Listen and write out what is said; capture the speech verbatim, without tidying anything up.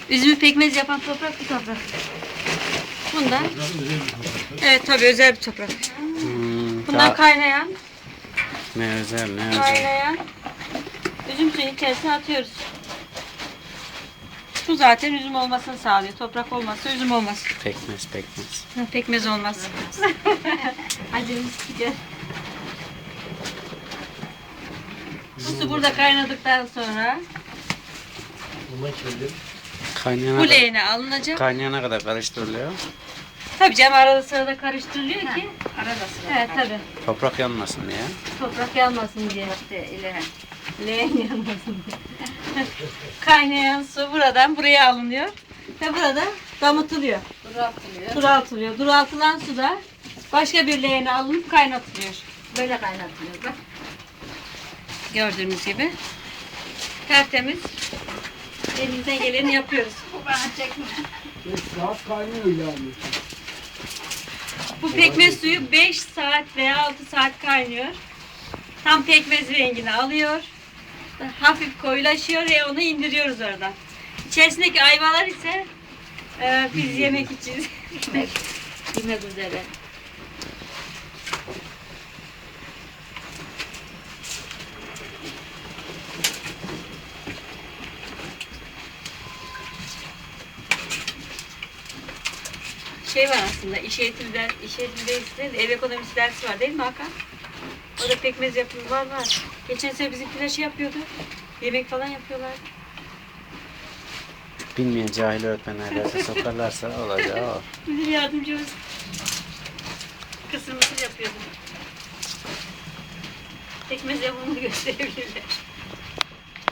Üzümü pekmez yapan toprak bu toprak. Bundan. Evet tabii özel bir toprak. Hmm, Bundan daha- kaynayan, Ne özel ne özel. kaynayan üzüm suyun içerisine atıyoruz. Su zaten üzüm olmasını sağlıyor. Toprak olmazsa üzüm olmaz. Pekmez pekmez. Ha, pekmez olmaz. Acımız gidiyor. Bu su burada kaynadıktan sonra Kaynayana, bu kadar, leğene alınacak. kaynayana kadar karıştırılıyor. Tabii canım arada sırada karıştırılıyor ki. Arada sırada. Evet tabii. Toprak yanmasın diye. Toprak yanmasın diye. İşte ileri. Leğen yanmasın diye. Kaynayan su buradan buraya alınıyor. Ve burada damıtılıyor. Duratılıyor. Duraltılıyor. Duraltılan su da başka bir leğene alınıp kaynatılıyor. Böyle kaynatılıyor. Bak. Gördüğünüz gibi. Tertemiz. Elimizden geleni yapıyoruz. Bu bana çekme. beş saat kaynıyor yani. Bu pekmez suyu beş saat veya altı saat kaynıyor. Tam pekmez rengini alıyor. Hafif koyulaşıyor ve onu indiriyoruz oradan. İçerisindeki ayvalar ise e, biz yemek için yemek üzere. Şey var aslında, iş eğitimi ders, iş eğitimi dersi değil de ev ekonomisi dersi var değil mi Hakan? Orada pekmez yapımı var var. Geçen sene bizimkiler şey yapıyordu. Yemek falan yapıyorlar. Bilmeyen cahil öğretmenler derse sokarlarsa olacağı o. Müdür yardımcımız kısır mısır yapıyordu. Pekmez yapımını gösterebilirler.